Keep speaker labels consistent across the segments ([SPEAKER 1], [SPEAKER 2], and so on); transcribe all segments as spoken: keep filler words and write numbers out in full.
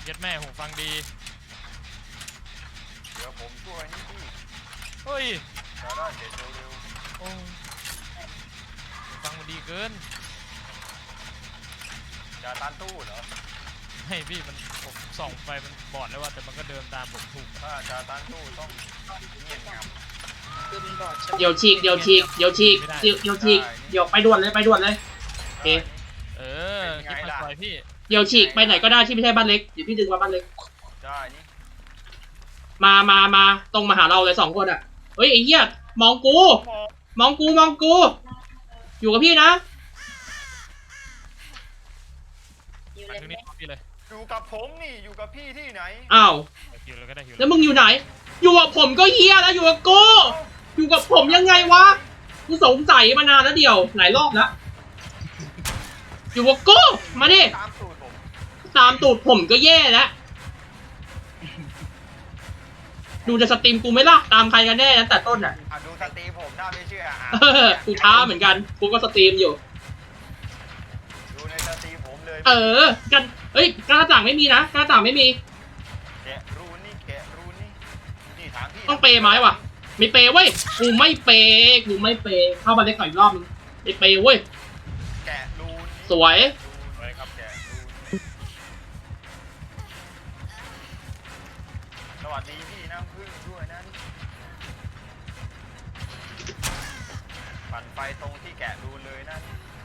[SPEAKER 1] เย็ดแม่หูฟังดี
[SPEAKER 2] เดี๋ยวผมช่วยนี่พี่
[SPEAKER 1] เฮ้ย
[SPEAKER 2] จะได้เสร็จเร็ว
[SPEAKER 1] ๆโอ้หูฟังมันดีเกิน
[SPEAKER 2] จะตันตู้เหรอ
[SPEAKER 1] ให้พี่มันผมส่องไปมันบอดแล้วว่าแต่มันก็เดินตามผมถูก
[SPEAKER 2] ถ้าจะตันตู้ต้องเงียบงับ
[SPEAKER 3] คือมันบอด
[SPEAKER 4] เดี๋ยวฉีกเดี๋ยวฉีกเดี๋ยวฉีกเดี๋ยวเดี๋ยวฉีกเดี๋ยวไปด่วนเลยไปด่วนเลยโอเค
[SPEAKER 1] เออคิดมาปล่อยพี่
[SPEAKER 4] เดี๋ยวฉีกไปไหนก็ได้ที่ไม่ใช่บ้านเล็กเดี๋ยวพี่ดึงมาบ้านเล็ก
[SPEAKER 2] ได้นี่
[SPEAKER 4] มามามาตรงมาหาเราเลยสองคนอ่ะเฮ้ยไอ้เหี้ยมองกูมองกูมองกูอยู่กับพี่นะ
[SPEAKER 3] อยู่
[SPEAKER 1] มา
[SPEAKER 3] เลย
[SPEAKER 1] ตรงนี้พี่เลย
[SPEAKER 2] อยู่กับผมนี่อยู่กับพี่ที่ไหน
[SPEAKER 4] อ้าว
[SPEAKER 1] อยู่เลยก็ได้อยู่
[SPEAKER 4] แล้วมึงอยู่ไหนอยู่กับผมก็เหี้ยแล้วอยู่กับกูอยู่กับผมยังไงวะกูสงสัยมานานแล้วเดียวหลายรอบแล้วอยู่กับกูมาดิ
[SPEAKER 2] ตามสูตรผม
[SPEAKER 4] ตามตูดผมก็แย่แล้วดูจะสตรีมกูไหมล่ะตามใครกันแน่นะแต่ต้นอ่ะ
[SPEAKER 2] ดูสตรีมผมน่าไม่เชื่อ
[SPEAKER 4] อ่ะกูท้าเหมือนกันกูก็สตรีมอยู่
[SPEAKER 2] ดูในสตรีมผมเลย
[SPEAKER 4] เออกันเอ้ยกระจ่างไม่มีนะกระจ่างไม่มี
[SPEAKER 2] แกะรูนี่แกะรูนี่นี่ถามพี่
[SPEAKER 4] ต้องเปย์ไหมวะไม่เปย์เว้ยกูไม่เปย์กูไม่เปย์เข้ามาเล็กหน่อยรอบนึงไม่เปย์เว้ย
[SPEAKER 2] แกะรูน
[SPEAKER 4] สวย
[SPEAKER 2] สวยครับแกะรูนสวัสดีพี่น้ำพึ่งด้วยนะปั่นไฟตรงที่แกะรูนเลยนะ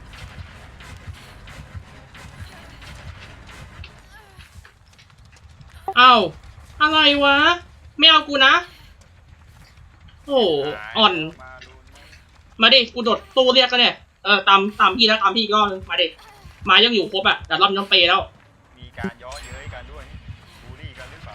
[SPEAKER 4] เอาอะไรวะไม่เอากูนะโอ้อ่อนมาดิกูโดดตู้เรียกกันเนี่ยเออตามตามพี่แล้วตามพี่ก็มาดิมายังอยู่ครบอ่ะแต่รอบน้องเปย์แล้ว
[SPEAKER 2] มีการย้อเย้ยกันด้วยบูลลี่กันหรือเปล่า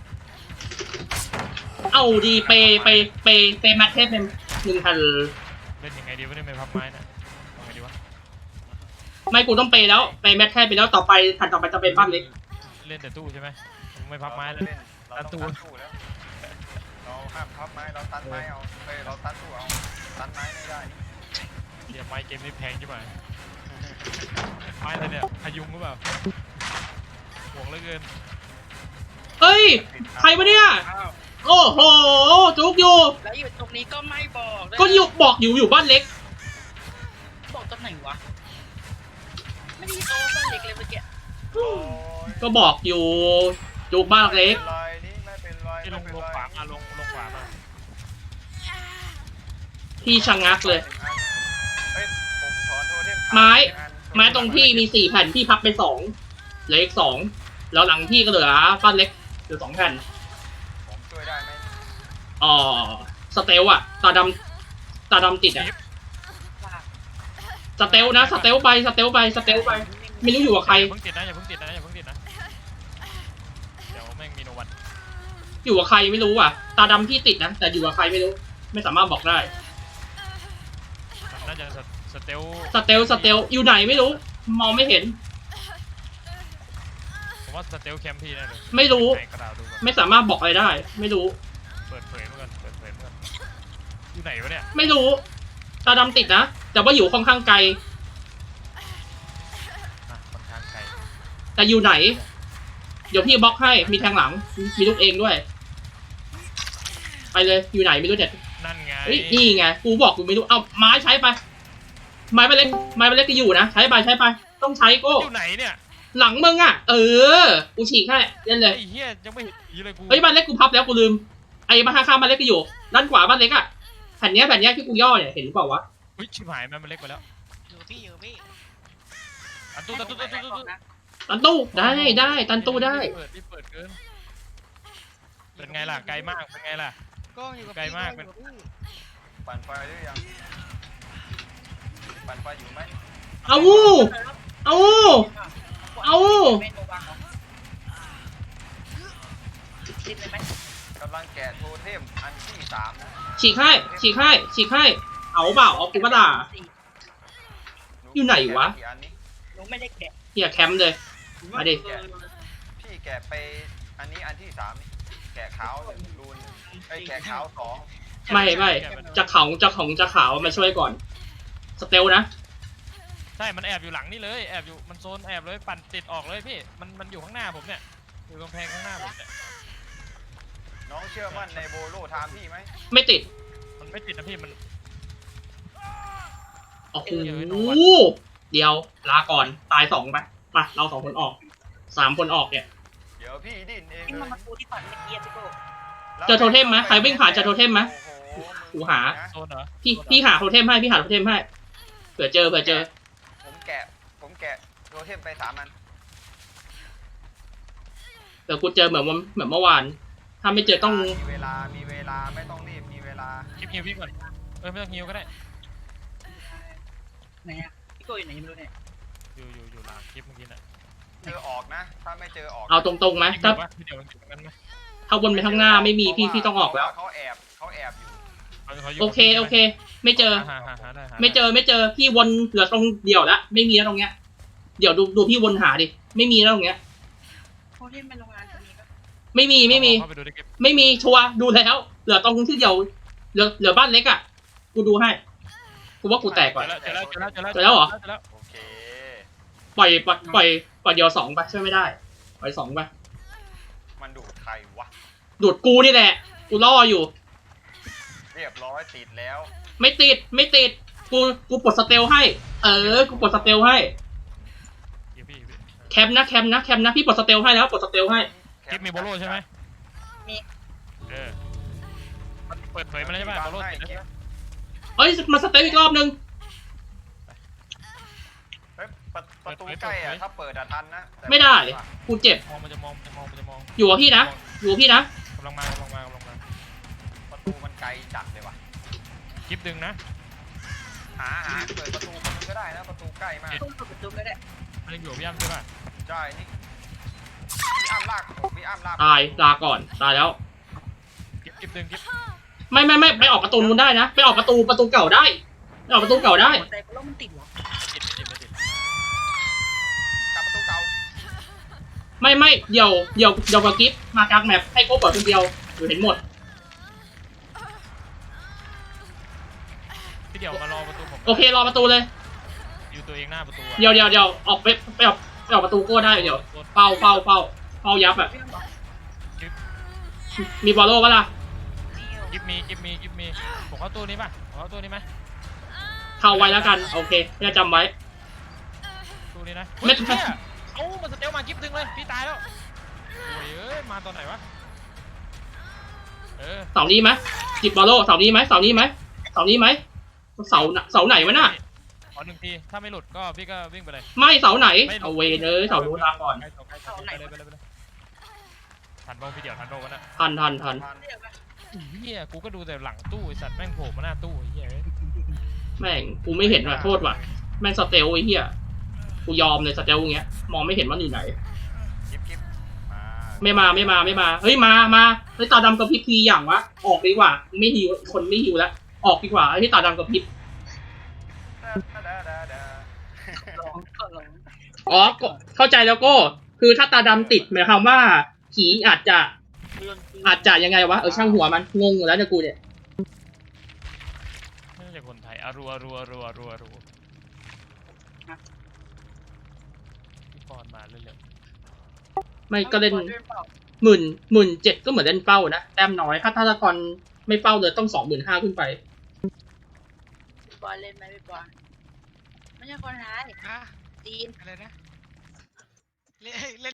[SPEAKER 4] เอาดีเปย์เปย์เปย์เปย์แมทเทสเป็นหนึ่งพัน
[SPEAKER 1] เล่นยังไงดีวะเนี่ยไม่พับไม้นะทำไงดีวะ
[SPEAKER 4] ไม่กูต้องเปย์แล้วเปย์แมทเทสไปแล้วต่อไปถัดต่อไปจะเป็นบ้านเล็ก
[SPEAKER 1] เล่นแต่ตู้ใช่ไหมไม่พับไม้แล้ว
[SPEAKER 2] ตันตู้แล้วเราห้ามพับไม้เราตันไม้เอาเฮ้ยเราตันตู้เอาตันไม้ไม่ได้
[SPEAKER 1] เดี๋ยวไม้เกมนี้แพงใช่ไหมไม้อะไรเนี่ยพยุงหรือเปล่าห่วงเหลือเกิน
[SPEAKER 4] เฮ้ยใครวะเนี่ยโอ้โหจุกอยู่
[SPEAKER 3] แล้วอยู่ตรงนี้ก็ไม่บอก
[SPEAKER 4] ก็อยู่บอกอยู่อยู่บ้านเล็ก
[SPEAKER 3] บอกตรงไหนวะไม่ได้ยินโอ้บ้านเล็กเลยเมื่อกี้
[SPEAKER 4] ก็บอกอยู่จุกบ้านเล็ก
[SPEAKER 1] ที่ลงลงขวามาลงลงขวามา
[SPEAKER 4] พี่ชะงักเลยไม้ไม้ตรงพี่มีสี่แผ่นพี่พับไปสองเหลืออีกสองแล้วหลังพี่ก็เหลือบ้านเล็กเหลือสองแผ่น
[SPEAKER 2] ผมช่วยได้ไหม
[SPEAKER 4] อ๋อสเตลอะตาดำตาดำติดอะสเตลนะสเตลไปสเตลไปสเตลไปไม่รู้อยู่กับใคร
[SPEAKER 1] เพิ่งติดนะอย่าเพิ่งติดนะอย่าเพิ่งติดนะเดี๋ยวแม่งมีโนวัน
[SPEAKER 4] อยู่กับใครไม่รู้อ่ะตาดำพี่ติดนะแต่อยู่กับใครไม่รู้ไม่สามารถบอกได้
[SPEAKER 1] น่าจะสเตล
[SPEAKER 4] สเตลสเตลอยู่ไหนไม่รู้มองไม่เห็น
[SPEAKER 1] ผมว่าสเตลแคมป์พี่แน่เลย
[SPEAKER 4] ไม่รู้ไม่สามารถบอกอะไรได้ไม่รู้
[SPEAKER 1] เปิดเผยเหมือนกันเปิดเผยเหมือนกันอยู่ไหนวะเนี่ย
[SPEAKER 4] ไม่รู้ตาดำติดนะแต่ว่าอยู่ค่อนข้างไกล
[SPEAKER 1] ค่อนข้างไกล
[SPEAKER 4] แต่อยู่ไหนเดี๋ยวพี่บล็อกให้มีแทงหลังมีลูกเองด้วยไปเลยอยู่ไหนไม่รู้เด็ด
[SPEAKER 1] นั่นไง
[SPEAKER 4] นี่ไงกูบอกกูไม่รู้เอาไม้ใช้ไปไม้ไปเล็กไม้ไปเล็กก็อยู่นะใช้ไปใช้ไปต้องใช้ก็
[SPEAKER 1] อยู่ไหนเนี่ย
[SPEAKER 4] หลังมึงอ่ะเออกูฉีกให้เล่นเลย
[SPEAKER 1] ไอ้เหี้ยยังไม่เห็นเลยกู
[SPEAKER 4] เฮ้ยบ้านเล็กกูพับแล้วกูลืมไอ้บ้านข้างบ้านเล็กก็อยู่ด้านขวาบ้านเล็กอ่ะแผ่นนี้แผ่นนี้ที่กูย่อเนี่ยเห็นหรือเปล่าวะ
[SPEAKER 1] เฮ้ยชิบหายมันเล็กไปแล้ว
[SPEAKER 3] อยู่พี่อยู่พี่
[SPEAKER 1] ตันตู้ตันตู้ตันตู้
[SPEAKER 4] ตันตู้ได้ได้ตันตู้ได้
[SPEAKER 1] เปิดที่เปิดเกินเป็นไงล่ะไกลมากเป็นไงล่ะ
[SPEAKER 3] ก็อยู่
[SPEAKER 1] ไกลมากเป็น
[SPEAKER 2] ปั่นไฟหรือยังปั่นไฟอยู่ไหม
[SPEAKER 4] เอาเอาเอา
[SPEAKER 2] กำลังแกะโทเทมอันที่สาม
[SPEAKER 4] ฉีกให้ฉีกให้ฉีกให้เอาเปล่าเอากูมาด่าอยู่ไหนวะ
[SPEAKER 3] หนูไม่ได้แกะ
[SPEAKER 4] เฮียแคมป์เลยมาดิ
[SPEAKER 2] พี่แกะไปอันนี้อันที่สามแกะขาวรูนไอ้แกะขาวสอง
[SPEAKER 4] ไม่ไม่จะเขาจะของจะขาวมาช่วยก่อนสเตลนะ
[SPEAKER 1] ใช่มันแอบอยู่หลังนี่เลยแอบอยู่มันโซนแอบเลยปั่นติดออกเลยพี่มันมันอยู่ข้างหน้าผมเนี่ยอยู่กำแพงข้างหน้าผมเนี่ย
[SPEAKER 2] น้องเชื่อมั่นในโบโลไทม์พี่ไหม
[SPEAKER 4] ไม่ติด
[SPEAKER 1] มันไม่ติดนะพี่มัน
[SPEAKER 4] โอ้โหเดี๋ยวลาก่อนตายสองไปมาเราสองคนออกสามคนออกเนี่ย
[SPEAKER 2] เดี๋ยวพี่ดิ้นเอง
[SPEAKER 3] นี่
[SPEAKER 2] เล
[SPEAKER 3] มัน
[SPEAKER 2] ย
[SPEAKER 3] มาปูที่ฝันเมื่อกี้อะพี่โก้
[SPEAKER 4] เจอโทเทมไหมใครวิ่งผ่านเจอโทเทมไหม
[SPEAKER 2] โอ้โห
[SPEAKER 4] กูหา
[SPEAKER 2] นะ
[SPEAKER 1] โซนเหรอ
[SPEAKER 4] พี่พี่หาโทเทมให้พี่หาโทเทมให้เผื่อเจอเผื่อเจอ
[SPEAKER 2] ผมแกะผมแกะโทเทมไปสามอัน
[SPEAKER 4] เดี๋ยวกูเจอเหมือนวันเหมือนเมื่อวาน ถ้าไม่เจอต้อง
[SPEAKER 2] มีเวลามีเวลาไม่ต้องรีบมีเวลา
[SPEAKER 1] คลิปฮิวพี่ก่อนเออไม่ต้องฮิวก็ได้
[SPEAKER 3] ไหนอะพี่โก้อยู่ไหนยังไม่รู้เนี่ย
[SPEAKER 1] อยู่อยู่อยู่หลังคลิปเมื่อกี้น่ะ
[SPEAKER 2] เจอออกนะ ถ้าไม่เจอออก
[SPEAKER 4] เอาตรงๆไหม
[SPEAKER 1] คลิป
[SPEAKER 4] ถ้า
[SPEAKER 1] เดี๋ยววะเดี๋ยวมันอยู่ตรงนั้นไหม
[SPEAKER 4] ถ้าวนไปข้างหน้าไม่มีพี่พี่ต้องออกแล้ว
[SPEAKER 2] เขาแอบเขาแอบอยู่
[SPEAKER 1] ขาขายู่
[SPEAKER 4] โอเคโอเค ไม่เจอ
[SPEAKER 1] หาหาหาได้หาด้
[SPEAKER 4] ไม่เจอไม่เจอพี่วนเหลือตรงเดี่ยวละไม่มีแล้วตรงเนี้ย เดี๋ยวดูดูพี่วนหาดิไม่มีแล้วตรงเนี้ย
[SPEAKER 3] โคที่เป็นโรงงานจะมีปะ
[SPEAKER 4] ไม่มีไม่มี
[SPEAKER 1] เข้าไปดูในเก็บ
[SPEAKER 4] ไม่มีชัวร์ดูแล้วเหลือตรงที่เดียวเหลือเหลือบ้านเล็กอ่ะกูดูให้กูว่ากูแตกก่อน
[SPEAKER 1] เจอแล้วเจอแล้วเจอแล้ว
[SPEAKER 4] เจอแล้วเหรอ
[SPEAKER 1] เจอแล้ว
[SPEAKER 2] โอเค
[SPEAKER 4] ปล่อยปล่อยปล่อยปล่อยเดียวสองไปช่วยไม่ได้ปล่อยสองไป
[SPEAKER 2] มันดูดใครวะ
[SPEAKER 4] ดูดกูนี่แหละกูล่ออยู่
[SPEAKER 2] เรียบร้อยติดแล้ว
[SPEAKER 4] ไม่ติดไม่ติดกูกูปลดสเตลให้ เออกูปลดสเตลให้
[SPEAKER 1] เดี๋ยวพี่พี่
[SPEAKER 4] แคมป์นะแคมป์นะแคมป์นะพี่ปลดสเตลให้แล้วปลดสเตลให้
[SPEAKER 1] คลิปมีโบโลใช่ไหมเออมันเปิดเผยมาแล้วใช่ไหมโบโลติดแล้ว
[SPEAKER 4] เอ้ยมาสเตลอีกรอบนึง
[SPEAKER 2] เฮ้ยประประตูใกล้อะถ้าเปิดอะทันนะแต่
[SPEAKER 4] ไม่ได้กูเจ็บ
[SPEAKER 1] มองมันจะมองมันจะมองมันจะมอง
[SPEAKER 4] อยู่กับพี่นะอยู่กับพี่นะ
[SPEAKER 1] กำลังมากำลังมากำลังมา
[SPEAKER 2] ประตูมันไกลจัดเลยว่ะ
[SPEAKER 1] คลิปดึงนะ
[SPEAKER 2] หาหาเปิดประตูคนนึงก็ได้นะประตูใกล้มาก
[SPEAKER 3] ต้องเปิดประตูก็ได้
[SPEAKER 1] มันยังอยู่พี่ย่ำใช่ป่ะ
[SPEAKER 2] ใช่นี่มีอ้ามลากผมมีอ้ามลาก
[SPEAKER 4] ตายลาก่อนตายแล้ว
[SPEAKER 1] คลิปคลิปดึงคลิป
[SPEAKER 4] ไม่ไม่ไม่ไปออกประตูนู้นได้นะไปออกประตูประตูเก่าได้ไปออกประตูเก่าได้
[SPEAKER 3] หัวใจเพราะว่ามันติดเหรอ
[SPEAKER 1] ติดไม่ติดไม่ติด
[SPEAKER 2] กลับประตูเก่า
[SPEAKER 4] ไม่ไม่เดี๋ยวเดี๋ยวเดี๋ยวกับกิฟมากลางแมปให้โก้เปิดคนเดียวอยู่เห็นหมด
[SPEAKER 1] พี่เดี๋ยวมารอประตูผม
[SPEAKER 4] โอเครอประตูเลย
[SPEAKER 1] อยู่ตัวเองหน้าประตูอะ
[SPEAKER 4] เดี๋ยวเดี๋ยวเดี๋ยวออกไปไปออกไปออกประตูโก้ได้เดี๋ยวเฝ้าเฝ้าเฝ้าเฝ้ายับอ่ะ
[SPEAKER 3] พี่ต้องบอก
[SPEAKER 4] มีบอลโล่ปะล่ะ
[SPEAKER 1] คลิปมีคลิปมีคลิปมีผมเข้าตู้นี้ป่ะผมเข้าตู้นี้ไหม
[SPEAKER 4] เข้าไว้แล้วกันโอเคจะจำไว้
[SPEAKER 1] ตู้นี้นะ
[SPEAKER 4] ไม่
[SPEAKER 1] เฮ้ยเนี่ยเอ้ามันสเตลมาคลิปดึงเลยพี่ตายแล้วโอ้ยเอ้ยมาตอนไหนวะเออ
[SPEAKER 4] เสานี้ไหมจิบบอลโล่เสานี้ไหมเสานี้ไหมเสานี้ไหมเสาเสาไหนวะน่ะ
[SPEAKER 1] ขอหนึ่งทีถ้าไม่หลุดก็พี่ก็วิ่งไปเลย
[SPEAKER 4] ไม่เสาไหน
[SPEAKER 1] ไม่หลุด
[SPEAKER 4] เอาเวเนยเสานู้นลาก่อน
[SPEAKER 1] ใกล้เสาใกล้เสาไปเลยไปเลยไปเลยทันบ้างพี่เดี๋ยวทันโดกันนะ
[SPEAKER 4] ทันทันทัน
[SPEAKER 2] ทัน
[SPEAKER 3] เดี๋ยวไป
[SPEAKER 1] เฮียกูก็ดูแต่หลังตู้ไอสัตว์แม่งโผล่มาหน้าตู้ไอ้เฮียเอ้ย
[SPEAKER 4] แม่งกูไม่เห็นว่ะโทษว่ะแม่งสเตลไอ้เหี้ยกูยอมเลยสเตลอย่างเงี้ยมองไม่เห็นมันอยู่ไหน
[SPEAKER 2] คลิปคลิปมา
[SPEAKER 4] ไม่มาไม่มาไม่มาเฮ้ยมามาเฮ้ยตาดำกับพริบทีอย่างวะออกดีกว่าไม่หิวคนไม่หิวแล้วออกดีกว่าไอ้ที่ตาดำกับพริบ
[SPEAKER 2] ดาดาดาดา
[SPEAKER 3] ลองก็ลอง
[SPEAKER 4] อ๋อก็เข้าใจแล้วก็คือถ้าตาดำติดหมายความว่าผีอาจจะอาจจะยังไงวะเออช่างหัวมันงงอยู่แล้วเนี่ยกูเนี่ย
[SPEAKER 1] ไม่ใช่คนไทยอารัวรัวรัวรัวรัวพี่ปอนมาเรื่อย
[SPEAKER 4] ไม่ก็เล่นหมื่นหมื่นเจ็ดก็เหมือนเล่นเป้านะแต้มน้อยถ้าถ้าตะกอนไม่เป้าเลยต้องสองหมื่นห้าขึ้นไป
[SPEAKER 3] พี่บอลเล่นไหมพี่บอลไม่ใช่คนไทย
[SPEAKER 5] ฮะ
[SPEAKER 3] จีน
[SPEAKER 5] อะไรนะเล่นเล่น